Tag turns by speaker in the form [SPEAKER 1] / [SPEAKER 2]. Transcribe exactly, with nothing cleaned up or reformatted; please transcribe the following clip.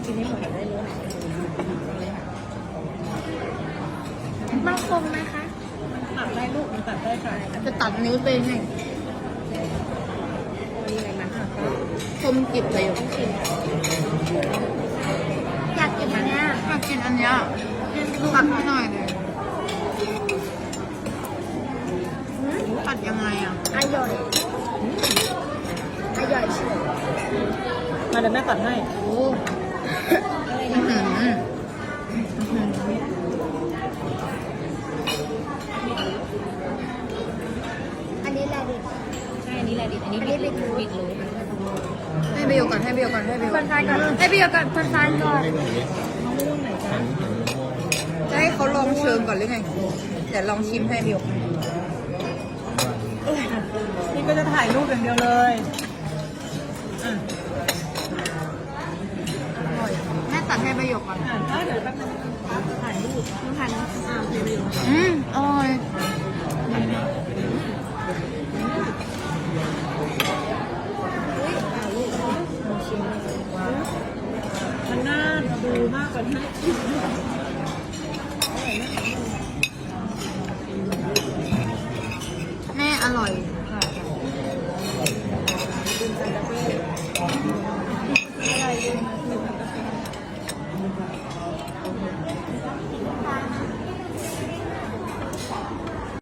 [SPEAKER 1] กินให้หมดได้เลย
[SPEAKER 2] มันคมไหมคะ
[SPEAKER 1] ตัดได้ลูกมันตัดได้ค่ะ
[SPEAKER 3] จะตัดนิ้วตัวเองไง
[SPEAKER 1] มีอะไรมันหักก็
[SPEAKER 3] คมกริบเลยอยู่
[SPEAKER 1] ชิม
[SPEAKER 2] อยากกินอันเนี้ย
[SPEAKER 3] อยากกินอันเนี้ยตัดให้หน่อยเลยตัดยังไงอ่ะ
[SPEAKER 2] อร่อยอร่อยเชียว
[SPEAKER 1] มาเดี๋ยวแม่ตัดให้
[SPEAKER 3] โอ้อื้อหือ
[SPEAKER 2] อันนี้แหละดิ
[SPEAKER 1] ใช่อันนี้แหละดิอันนี้บิดบิดรู้
[SPEAKER 3] ให้เบลก่อนให้เบลก่อนให้เบล
[SPEAKER 2] คนทานก่อนให้พี่ก่อนคนทานก่อน
[SPEAKER 1] มะม่วงไหนจ๊ะ
[SPEAKER 3] จะให้เขาลองเชิญก่อนหรือไงเดี๋ยวลองชิมให้เบล
[SPEAKER 1] นี่ก็จะถ่ายรูปอย่างเดียวเลยอ่ะ
[SPEAKER 3] อร่อยแม่ตัดให้ประโยคก่อน
[SPEAKER 1] อ่ะเดี๋ยวแป๊บนึงถ่ายรูป
[SPEAKER 2] คนทาน
[SPEAKER 1] อ่าโอเคไปอยู่
[SPEAKER 3] อืม